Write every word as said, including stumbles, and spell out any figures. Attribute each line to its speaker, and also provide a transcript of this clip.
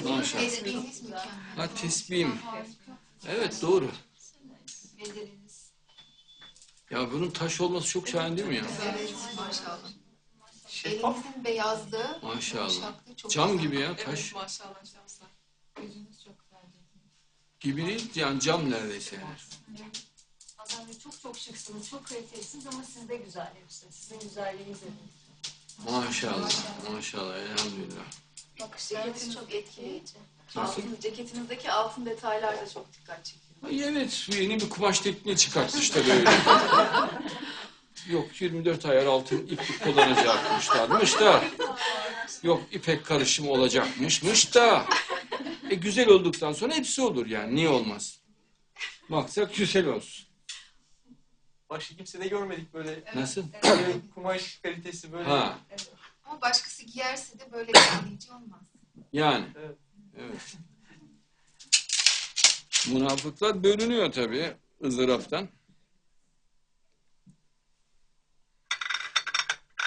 Speaker 1: Maşallah.
Speaker 2: Tespihiniz mükemmel.
Speaker 1: Ha tesbihim. Evet doğru.
Speaker 2: Beceriniz.
Speaker 1: Ya bunun taş olması çok şahane değil mi ya?
Speaker 2: Evet maşallah.
Speaker 3: Şeffaf.
Speaker 2: Elinizin beyazlığı,
Speaker 1: Maşallah.
Speaker 2: yumuşaklığı çok
Speaker 1: Cam
Speaker 2: güzel.
Speaker 1: gibi ya
Speaker 4: Evet
Speaker 1: taş.
Speaker 4: maşallah şahsen.
Speaker 2: Gözünüz çok güzel.
Speaker 1: Gibi değil yani cam neredeyse yani.
Speaker 5: Hasan Bey çok çok şıksınız, çok kalitelisiniz ama siz de güzel hepsi. Sizin güzelliğiniz de değil.
Speaker 1: Maşallah. Maşallah elhamdülillah.
Speaker 2: Bakışlarınız çok etkileyici.
Speaker 1: Nasıl?
Speaker 6: Altın, ceketinizdeki altın detaylar da çok dikkat çekiyor.
Speaker 1: Ay evet yeni bir kumaş tekniği çıkarttı işte böyle. Yok yirmi dört ayar altın iplik kullanacakmışlarmış da. Yok ipek karışımı olacakmışmış da. E güzel olduktan sonra hepsi olur yani niye olmaz? Maksat güzel olsun.
Speaker 3: Başka kimse de görmedik böyle.
Speaker 1: Nasıl?
Speaker 3: Böyle kumaş kalitesi böyle.
Speaker 1: Ha
Speaker 2: Ama başkası giyerse de böyle etkileyici olmaz.
Speaker 1: yani.
Speaker 3: Evet.
Speaker 1: Evet. Münafıklar bölünüyor tabii ızdıraptan.